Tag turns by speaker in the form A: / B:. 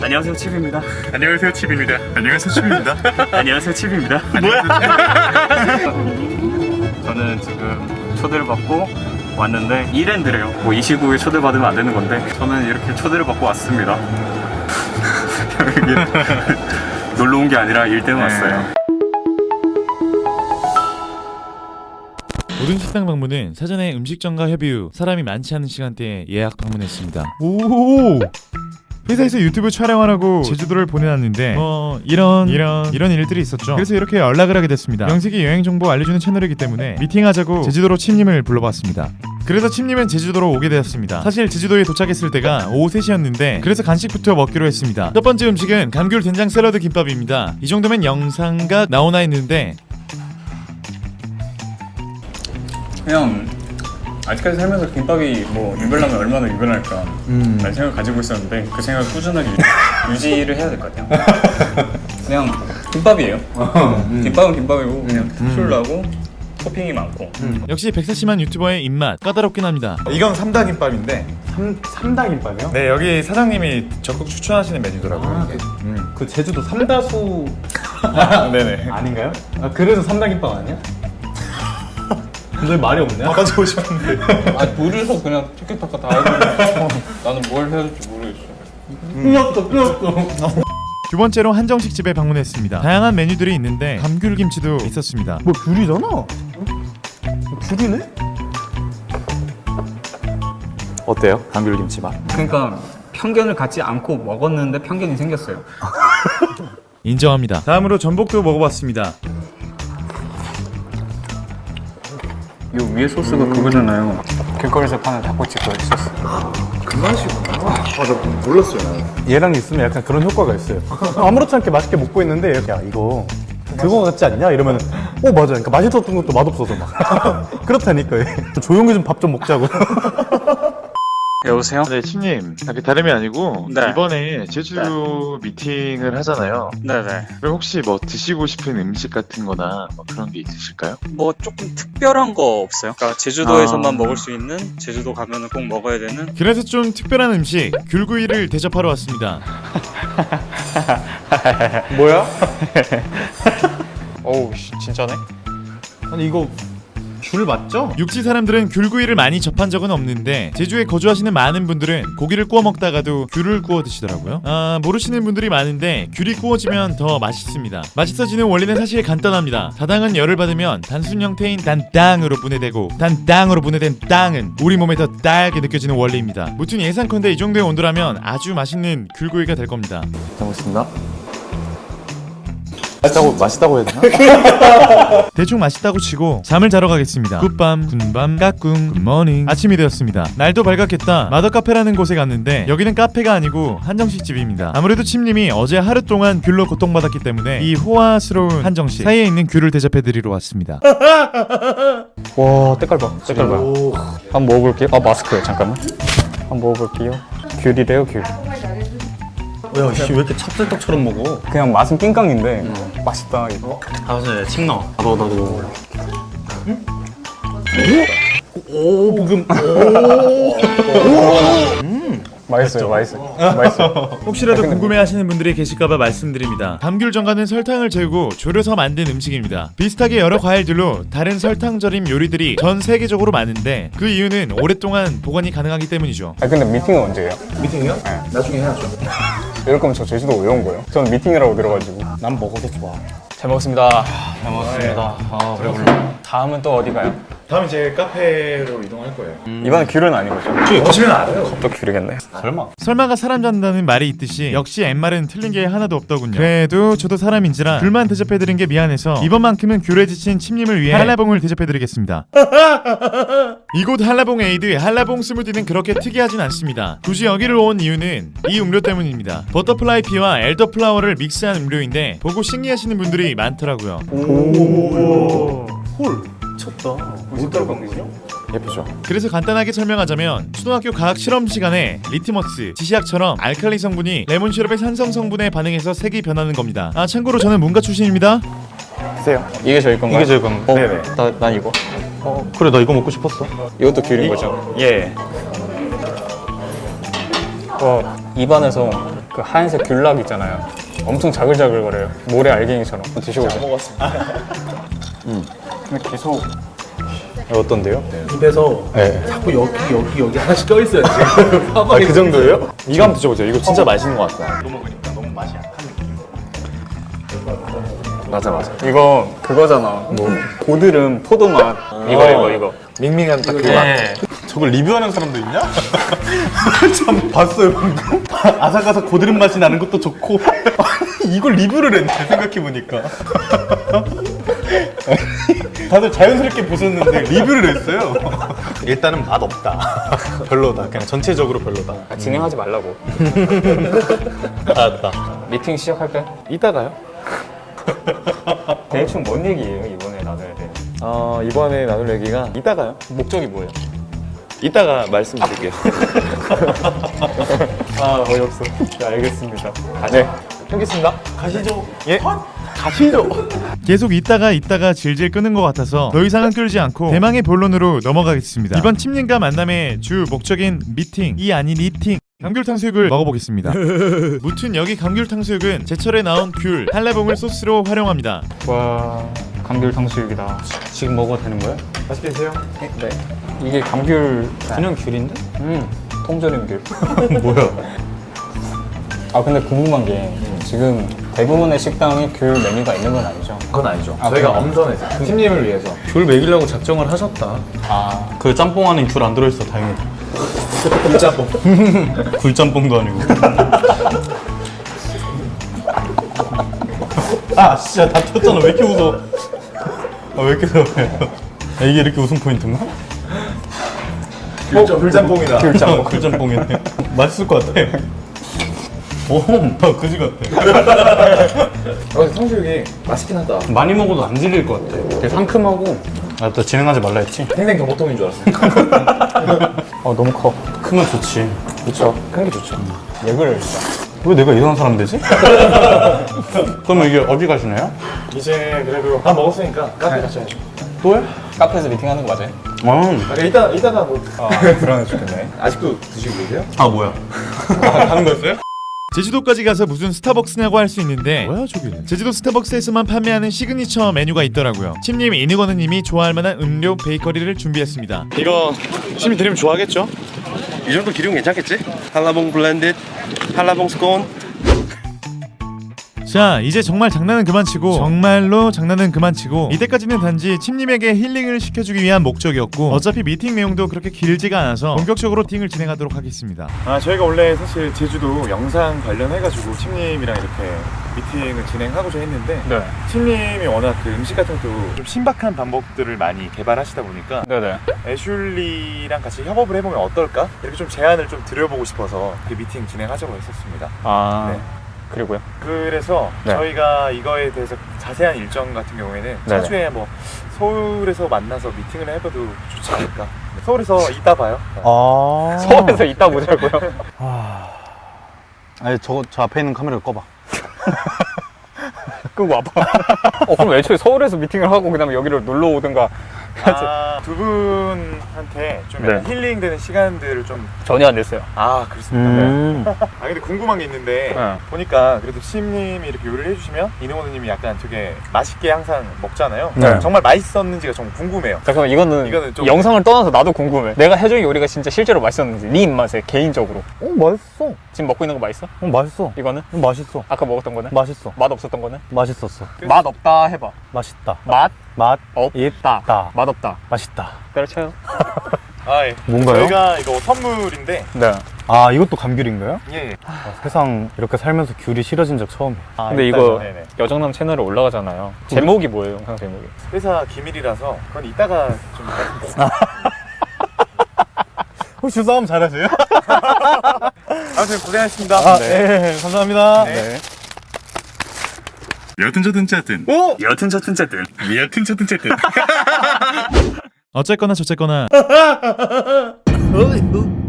A: 안녕하세요, 칩입니다.
B: 안녕하세요, 칩입니다. 안녕하세요, 칩입니다.
A: 안녕하세요, 칩입니다.
B: 뭐야?
A: 저는 지금 초대를 받고 왔는데 이랜드래요. 뭐 이 시국에 초대받으면 안 되는 건데 저는 이렇게 초대를 받고 왔습니다. 여기 놀러 온 게 아니라 일 때문에 왔어요.
C: 모든 식당 방문은 사전에 음식점과 협의 후 사람이 많지 않은 시간대에 예약 방문했습니다. 오! 회사에서 유튜브 촬영하라고 제주도를 보내놨는데 이런 일들이 있었죠. 그래서 이렇게 연락을 하게 됐습니다. 명색이 여행 정보 알려주는 채널이기 때문에 미팅하자고 제주도로 칩님을 불러봤습니다. 그래서 칩님은 제주도로 오게 되었습니다. 사실 제주도에 도착했을 때가 오후 3시였는데 그래서 간식부터 먹기로 했습니다. 첫 번째 음식은 감귤 된장 샐러드 김밥입니다. 이 정도면 영상각 나오나 했는데
A: 그냥 아직까지 살면서 김밥이 뭐 유별나면 얼마나 유별날까 라는 생각을 가지고 있었는데 그 생각을 꾸준하게 유지를 해야 될 것 같아요. 그냥 김밥이에요. 김밥은 김밥이고 그냥 술나고 토핑이 많고
C: 역시 백사심한 유튜버의 입맛 까다롭긴 합니다.
B: 이건 삼다김밥인데.
D: 삼다김밥이요?
B: 네, 여기 사장님이 적극 추천하시는 메뉴더라고요.
D: 그 제주도 삼다수
B: 네네.
D: 아닌가요? 아, 그래서 삼다김밥 아니야? 근데 말이 없네.
B: 바꿔주고 싶은데.
A: 아 둘이서 그냥 티켓타카 다 하고 나는 뭘 해야 될지 모르겠어.
D: 끊었어.
C: 두 번째로 한정식 집에 방문했습니다. 다양한 메뉴들이 있는데 감귤김치도 있었습니다.
D: 뭐 귤이잖아. 귤이네? 어때요? 감귤김치 맛?
A: 그러니까 편견을 갖지 않고 먹었는데 편견이 생겼어요.
C: 인정합니다. 다음으로 전복도 먹어봤습니다.
A: 이 위에 소스가 그거잖아요. 길거리에서 파는 닭꼬치 그 소스.
B: 그 맛이구나. 나 몰랐어요.
D: 얘랑 있으면 약간 그런 효과가 있어요. 아무렇지 않게 맛있게 먹고 있는데 야 이거 그거 같지 않냐? 이러면 맞아. 그러니까 맛있었던 것도 맛없어서 막 그렇다니까. 조용히 좀 밥 좀 먹자고.
A: 여보세요?
E: 네, 칩님. 다름이 아니고
A: 네.
E: 이번에 제주 미팅을 하잖아요.
A: 네네.
E: 그럼 혹시 뭐 드시고 싶은 음식 같은 거나 뭐 그런 게 있으실까요?
F: 뭐 조금 특별한 거 없어요? 그러니까 제주도에서만 먹을 수 있는, 제주도 가면은 꼭 먹어야 되는.
C: 그래서 좀 특별한 음식 귤구이를 대접하러 왔습니다.
D: 뭐야?
F: 어우 진짜네?
D: 아니 이거 귤 맞죠?
C: 육지 사람들은 귤구이를 많이 접한 적은 없는데 제주에 거주하시는 많은 분들은 고기를 구워 먹다가도 귤을 구워 드시더라고요. 모르시는 분들이 많은데 귤이 구워지면 더 맛있습니다. 맛있어지는 원리는 사실 간단합니다. 다당은 열을 받으면 단순 형태인 단땅으로 분해되고 단땅으로 분해된 땅은 우리 몸에 더 달게 느껴지는 원리입니다. 무튼 예상컨대 이 정도의 온도라면 아주 맛있는 귤구이가 될 겁니다.
D: 잘 먹습니다. 맛있다고 해야 되나?
C: 대충 맛있다고 치고 잠을 자러 가겠습니다. 굿밤, 군밤, 까꿍, 굿모닝. 아침이 되었습니다. 날도 밝았겠다. 마더카페라는 곳에 갔는데 여기는 카페가 아니고 한정식 집입니다. 아무래도 침님이 어제 하루 동안 귤로 고통받았기 때문에 이 호화스러운 한정식 사이에 있는 귤을 대접해드리러 왔습니다.
F: 와 때깔 봐 한번 먹어볼게요. 마스크요 잠깐만. 한번 먹어볼게요. 귤이래요 귤.
D: 야, 씨, 왜 이렇게 찹쌀떡처럼 먹어?
F: 그냥 맛은 낑깡인데 맛있다 이거.
D: 다섯에 침 넣어. 나도. 오, 방금.
F: 맛있어요. 맛있어요.
C: 혹시라도 궁금해하시는 분들이 계실까봐 말씀드립니다. 감귤전과는 설탕을 재우고 졸여서 만든 음식입니다. 비슷하게 여러 과일들로 다른 설탕 절임 요리들이 전 세계적으로 많은데 그 이유는 오랫동안 보관이 가능하기 때문이죠.
F: 근데 미팅은 언제예요?
B: 미팅이요? 네. 나중에 해야죠.
F: 이럴 거면 저 제주도 왜 온 거예요? 저는 미팅이라고 들어가지고.
D: 난 먹어도 좋아.
F: 잘 먹었습니다. 잘 먹었습니다. 배불러. 다음은 또 어디 가요?
B: 다음 이제 카페로 이동할 거예요.
F: 이번엔 귤은 아닌 거죠?
B: 오시면 알아요.
F: 또 귤이겠네.
D: 설마.
C: 설마가 사람 잔다는 말이 있듯이 역시 엠말은 틀린 게 하나도 없더군요. 그래도 저도 사람인지라 귤만 대접해드린 게 미안해서 이번만큼은 귤에 지친 침님을 위해 한라봉을 대접해드리겠습니다. 이곳 한라봉 에이드 한라봉 스무디는 그렇게 특이하진 않습니다. 굳이 여기를 온 이유는 이 음료 때문입니다. 버터플라이 피와 엘더플라워를 믹스한 음료인데 보고 신기하시는 분들이 많더라고요.
D: 헐. 미쳤다. 뭐 들어간 거죠?
B: 예쁘죠?
C: 그래서 간단하게 설명하자면 초등학교 과학 실험 시간에 리트머스, 지시약처럼 알칼리 성분이 레몬 시럽의 산성 성분에 반응해서 색이 변하는 겁니다. 참고로 저는 문과 출신입니다.
F: 드세요. 이게 저희 건가요?
D: 이게 저희 건가요?
B: 네네.
F: 난 이거.
D: 그래, 나 이거 먹고 싶었어.
F: 이것도 귤인 거죠?
B: 예.
F: 입안에서
A: 그 하얀색 귤락 있잖아요. 엄청 자글자글거려요. 모래 알갱이처럼. 드셔보세요.
B: 먹었습니다.
A: 근데 계속
D: 어떤데요?
G: 입에서
D: 네.
G: 자꾸 여기 하나씩 껴있어요 지금.
D: 아, 그 정도예요? 이거 한번 드셔보세요. 이거 진짜 맛있는 것 같아요.
G: 이거 먹으니까 너무 맛이 약한 느낌.
D: 맞아.
A: 이거 그거잖아. 뭐 고드름 포도맛. 이거.
D: 밍밍한 딱 그
A: 네.
D: 맛. 저걸 리뷰하는 사람도 있냐? 참 봤어요 방금. 아삭아삭 고드름 맛이 나는 것도 좋고 이걸 리뷰를 했네 생각해보니까. 다들 자연스럽게 보셨는데 리뷰를 했어요. 일단은 맛없다. 별로다. 그냥 전체적으로 별로다.
A: 진행하지 말라고.
D: 알았다.
A: 미팅 시작할까요?
D: 이따가요?
A: 대충 뭔 얘기예요 이번에 나눠야 돼?
D: 이번에 나눌 얘기가 이따가요.
A: 목적이 뭐예요?
D: 이따가 말씀드릴게요.
A: 아 어이없어. 네, 알겠습니다. 네.
D: 알겠습니다. 가시죠. 예? 가시죠.
C: 계속 있다가 질질 끄는 것 같아서 더 이상은 끌지 않고 대망의 본론으로 넘어가겠습니다. 이번 팀님과 만남의 주 목적인 미팅이 아닌 이팅. 감귤탕수육을 먹어보겠습니다. 무튼 여기 감귤탕수육은 제철에 나온 귤, 한라봉을 소스로 활용합니다.
A: 와 감귤 탕수육이다.
D: 지금 먹어도 되는 거예요?
B: 맛있게 드세요.
A: 네. 이게 감귤
D: 그냥 귤인데?
A: 통조림 귤.
D: 뭐야?
A: 아 근데 궁금한 게 지금 대부분의 식당에 귤 메뉴가 있는 건 아니죠?
B: 그건 아니죠.
A: 아,
B: 저희가
A: 그래요?
B: 엄선해서 팀님을 위해서.
D: 귤 먹이려고 작정을 하셨다.
A: 아
D: 그 짬뽕 안에 귤 안 들어있어. 다행이다.
B: 굴짬뽕.
D: 굴짬뽕도 아니고. 아 진짜 다 튀었잖아. 왜 이렇게 웃어? 아, 왜 이렇게 웃어요? 이게 이렇게 웃음 포인트인가?
B: 굴짬뽕이다.
D: 귤짬뽕. 귤짬뽕이네. 맛있을 것 같아. 오, 그지 같아.
B: 근데 탕수육이 맛있긴 하다.
D: 많이 먹어도 안 질릴 것 같아. 되게 상큼하고. 아, 또 진행하지 말라 했지?
B: 생생 경보통인 줄 알았어요.
A: 너무 커.
D: 크면 좋지.
A: 그쵸. 큰 게 좋죠. 왜 그래
D: 왜 내가 이상한 사람 되지? 그러면 이게 어디 가시나요?
B: 이제 그래도 다 먹었으니까 카페 가셔야죠.
D: 또요?
A: 카페에서 미팅하는 거 맞아요?
B: 이따가 뭐.
A: 불안해 죽겠네.
B: 아직도 드시고 계세요?
D: 아, 뭐야? 가는 거였어요?
C: 제주도까지 가서 무슨 스타벅스냐고 할 수 있는데 뭐야 저기는? 제주도 스타벅스에서만 판매하는 시그니처 메뉴가 있더라고요. 팀님 이니거느님이 좋아할 만한 음료 베이커리를 준비했습니다.
H: 이거 시민 드리면 좋아하겠죠? 이 정도 기름 괜찮겠지? 한라봉 블렌딧, 한라봉 스콘.
C: 자 이제 정말 장난은 그만치고 정말로 장난은 그만치고 이때까지는 단지 팀님에게 힐링을 시켜주기 위한 목적이었고 어차피 미팅 내용도 그렇게 길지가 않아서 본격적으로 미팅을 진행하도록 하겠습니다.
I: 저희가 원래 사실 제주도 영상 관련해가지고 팀님이랑 이렇게 미팅을 진행하고자 했는데
A: 네.
I: 팀님이 워낙 그 음식 같은 것도 좀 신박한 방법들을 많이 개발하시다 보니까
A: 네네.
I: 애슐리랑 같이 협업을 해보면 어떨까? 이렇게 좀 제안을 좀 드려보고 싶어서 그 미팅 진행하자고 했었습니다.
A: 아
I: 네.
A: 그리고요?
I: 그래서
A: 네.
I: 저희가 이거에 대해서 자세한 일정 같은 경우에는
A: 네네.
I: 차주에 뭐 서울에서 만나서 미팅을 해봐도 좋지 않을까? 서울에서 이따 봐요.
D: 아.
A: 서울에서 이따 보자고요?
D: 아니, 저 앞에 있는 카메라 꺼봐.
A: 끄고 와봐. 그럼 애초에 서울에서 미팅을 하고 그다음에 여기로 놀러 오든가.
I: 두 분한테 좀
A: 네.
I: 약간 힐링되는 시간들을 좀.
A: 전혀 안 됐어요.
I: 아, 그렇습니까? 근데 궁금한 게 있는데
A: 네.
I: 보니까 그래도 시임님이 이렇게 요리를 해주시면 이능호님이 약간 되게 맛있게 항상 먹잖아요.
A: 네.
I: 정말 맛있었는지가 정말 궁금해요.
A: 잠깐만 이거는
I: 좀-
A: 영상을 떠나서 나도 궁금해. 내가 해준 요리가 진짜 실제로 맛있었는지 네 입맛에 개인적으로.
D: 맛있어.
A: 지금 먹고 있는 거 맛있어?
D: 맛있어.
A: 이거는?
D: 맛있어.
A: 아까 먹었던 거는?
D: 맛있어.
A: 맛 없었던 거는?
D: 맛있었어.
A: 맛 없다 해봐.
D: 맛있다.
A: 맛
D: 맛
A: 없다.
D: 있다.
A: 맛 없다.
D: 맛있다.
A: 때려쳐요.
I: 아, 예.
D: 뭔가요?
I: 저희가 이거 선물인데.
A: 네.
D: 아, 이것도 감귤인가요?
I: 예.
D: 세상 이렇게 살면서 귤이 싫어진 적 처음이에요.
A: 근데 이거
I: 네네.
A: 여정남 채널에 올라가잖아요. 제목이 뭐예요, 영상 제목이?
I: 회사 기밀이라서 그건 이따가 좀 말씀드릴게요.
D: 혹시 싸움 잘하세요?
I: 아무튼 고생하셨습니다.
D: 네. 감사합니다.
I: 네. 여튼 저든 짜든.
D: 오!
I: 여튼 저든 짜든. 여튼 저든 짜든.
C: 어쨌거나 저쨌거나